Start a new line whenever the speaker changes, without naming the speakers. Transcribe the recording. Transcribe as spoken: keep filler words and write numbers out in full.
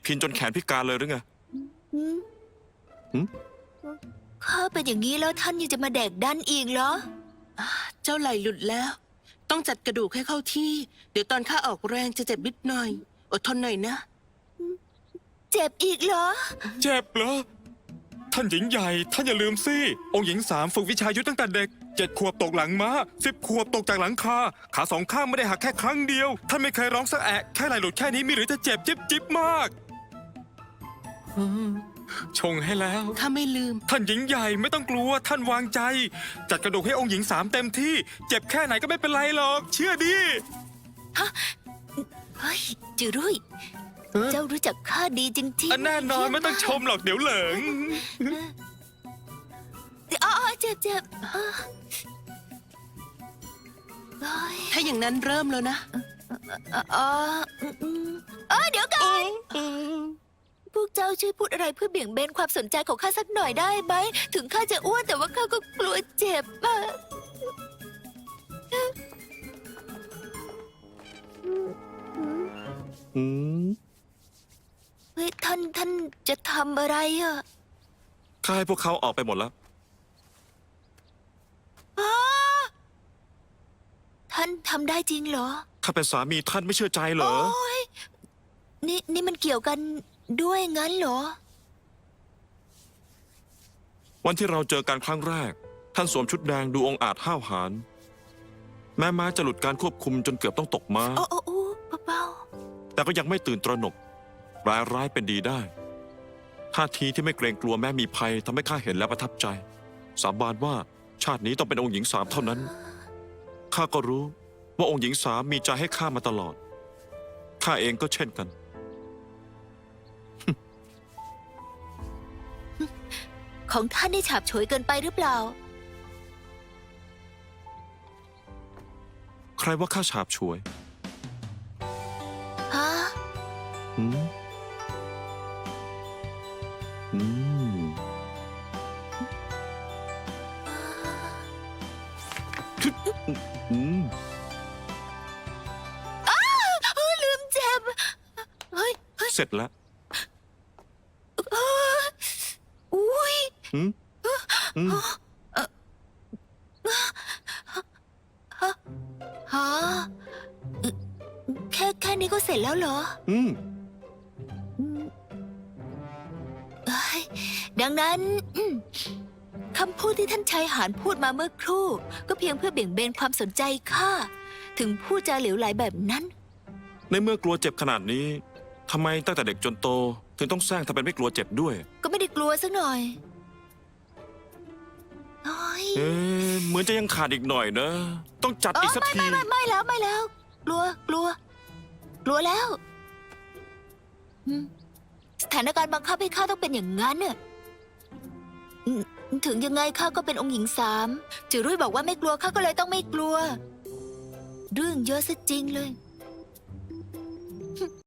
พินจนแขนพิการเลยหรือไง
อืม
หืม
ข้าเป็นอย่างนี้แล้วท่านยังจะมาแดกดันอีกเหรอ
เจ้าไหล่หลุดแล้ว ต้องจัดกระดูกให้เข้าที่ เดี๋ยวตอนข้าออกแรงจะเจ็บนิดหน่อย อดทนหน่อยนะ
เจ็บอีกเหรอ
เจ็บเหรอ ท่านหญิงใหญ่ท่านอย่าลืมสิองค์หญิงสามฝึกวิชายุทธตั้งแต่เด็กเจ็ดขวบตกหลังม้าสิบขวบตกจากหลังคาขาสองข้างไม่ได้หักแค่ครั้งเดียวท่านไม่เคยร้องสักแอะแค่ไหล่หลุดแค่นี้มีหรือจะเจ็บจิ๊บจิ๊บมากชงให้แล้ว
ข้าไม่ลืม
ท่านหญิงใหญ่ไม่ต้องกลัวท่านวางใจ จัดกระดูกให้องค์หญิงสามเต็มที่ เจ็บแค่ไหนก็ไม่เป็นไรหรอก เชื่อดิ
เฮ้ยจือรุ่ย
เอ้อ
เจ้ารู้จักข้าดีจริง
อัน
ๆ
แน่นอนไม่ต้องชมหรอกเดี๋ยวเหลิง
อ๋อเจ็บเจ็บเออเฮ้ย
ถ้าอย่างนั้นเริ่มแล้วนะ
เออเอออืมอืมเออเดี๋ยวก่อนพวกเจ้าช่วยพูดอะไรเพื่อเบี่ยงเบนความสนใจของข้าสักหน่อยได้ไหม ถึงข้าจะอ้วนแต่ว่าข้าก็กลัวเจ็บอะ
อืม
เฮ้ยท่านท่านจะทำอะไรอะ
ข้าให้พวกเขาออกไปหมดแล้ว
อ๋อท่านทำได้จริงเหรอ
ข้าเป็นสามีท่านไม่เชื่อใจเหรอ
โอ้ยนี่นี่มันเกี่ยวกันด้วยงั้นเหรอ
วันที่เราเจอกันครั้งแรก ท่านสวมชุดแดงดูองอาจห้าวหาญแม้ม้าจะหลุดการควบคุมจนเกือบต้องตกม้า
โอ้โอ้โอ้เบา
แต่ก็ยังไม่ตื่นตระหนกร้ายร้ายเป็นดีได้ท่าทีที่ไม่เกรงกลัวแม้มีภัยทำให้ข้าเห็นแล้วประทับใจ สาบานว่าชาตินี้ต้องเป็นองค์หญิงสามเท่านั้นข้าก็รู้ว่าองค์หญิงสามมีใจให้ข้ามาตลอดข้าเองก็เช่นกัน
ๆของท่านได้ฉาบฉวยเกินไปหรือเปล่า
ใครว่าข้าฉาบฉวย
ฮะ
อืมอืมทึดอืม
เออลืมเจ็บ เฮ้ยเฮ้ย
เสร็จแล้ว
เอออุ้ย
อืมอืม
ฮะแค่แค่นี้ก็เสร็จแล้วเหรอ
อืม
อืมเอ้ยดังนั้นอืมคำพูดที่ท่านชายหานพูดมาเมื่อครู่ ก็เพียงเพื่อเบี่ยงเบนความสนใจข้าถึงพูดจาเหลวไหลแบบนั้น
ในเมื่อกลัวเจ็บขนาดนี้ทำไมตั้งแต่เด็กจนโต ถึงต้องแซงทำเป็นไม่กลัวเจ็บด้วย
ก็ไม่ได้กลัวสักหน่อยโอ้ย
เอ๊ะเหมือนจะยังขาดอีกหน่อยนะ ต้องจัดอีกสักที
ไม่ไม่ไม่แล้วไม่แล้ว กลัวกลัว กลัวแล้วอืมสถานการณ์บังคับให้ข้าต้องเป็นอย่างนั้นน่ะอืมถึงยังไงข้าก็เป็นองค์หญิงสามจือรุ่ยบอกว่าไม่กลัวข้าก็เลยต้องไม่กลัว เรื่องเยอะซะจริงเลย